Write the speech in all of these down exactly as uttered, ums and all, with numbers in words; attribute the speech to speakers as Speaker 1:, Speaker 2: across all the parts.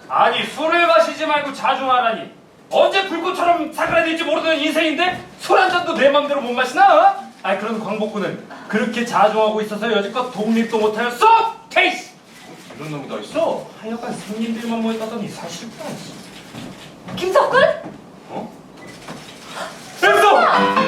Speaker 1: 아니 술을 마시지 말고 자중하라니. 언제 불꽃처럼 사그라들지 모르는 인생인데 술 한 잔도 내 맘대로 못 마시나? 어? 아니 그런 광복군은 그렇게 자중하고 있어서 여지껏 독립도 못하였어? 케이스! 이런 놈이 더 있어? 하여간 생님들만 모였다더니 사실구나.
Speaker 2: 김석군?
Speaker 1: 어? 엠소!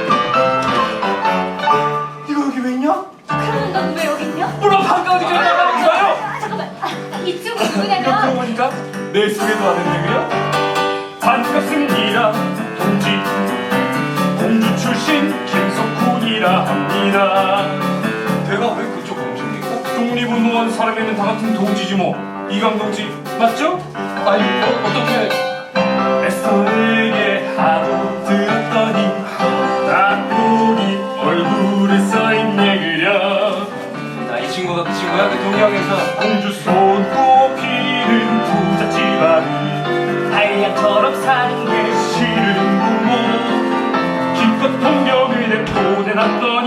Speaker 1: 이거 여기 왜 있냐?
Speaker 2: 그러면 넌 왜 여기 있냐?
Speaker 1: 물론 방금 어디 그래 나가는 거예요?
Speaker 2: 아, 잠깐만. 아, 이쪽은
Speaker 1: 그러고
Speaker 2: 누구냐면
Speaker 1: 보니까 내 소개도 안 했네 그래? 반갑습니다 동지 공주 출신 김석훈이라 합니다. 내가 왜 그쪽 공주입니까? 독립운동한 사람이면 다 같은 동지지 뭐. 이강 동지 맞죠?
Speaker 3: 아니 어, 어떻게
Speaker 1: 애써 내게 하도 들었더니 딱 보니 얼굴에 써있네 그려.
Speaker 3: 나 이 친구가 그 친구야? 그 동양에서
Speaker 1: 공주 손꼽히는 부잣집안을 한량처럼 사는 게 싫은 부모 기껏 동경을 내보내놨더니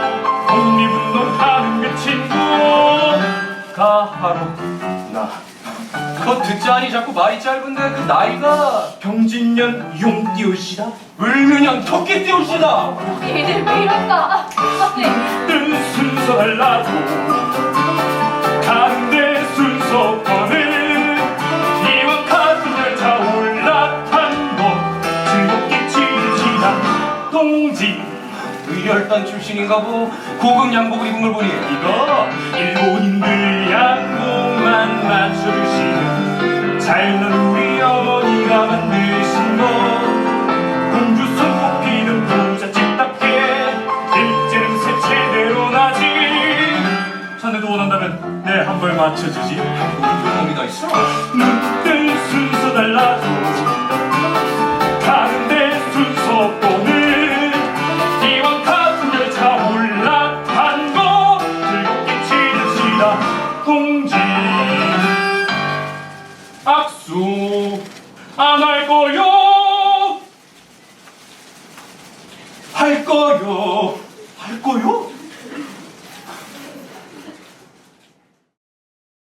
Speaker 1: 독립운동하는 그 친구가 바로 나.
Speaker 3: 그거 듣자니 자꾸 말이 짧은데 그 나이가
Speaker 1: 병진년 용띠올시다.
Speaker 3: 을면양 토끼띠올시다.
Speaker 2: 얘들 왜 이럴까? 아, 네.
Speaker 1: 뜬 순서 달라고 가는데 순서번을 이왕 같은 열차 올라탄 거 즐겁게 치르시다 동지.
Speaker 3: 의열단 출신인가 보. 고급 양복을 입은 걸 보니
Speaker 1: 이거 일본인들 양복만 맞춰주시는 잘난 우리 어머니가 만드신 거. 공주 손꼽히는 부잣집답게 일제는 제대로 나지. 자네도 원한다면 내 한 벌 맞춰주지.
Speaker 3: 그런 놈이 다 있어.
Speaker 1: 눈뜰 순서 달라도 가는데 순서번을 이왕 같은 열차 올라탄 거 즐겁게 치르시다 동지. 악수 안 할 거요? 할 거요. 할 거요?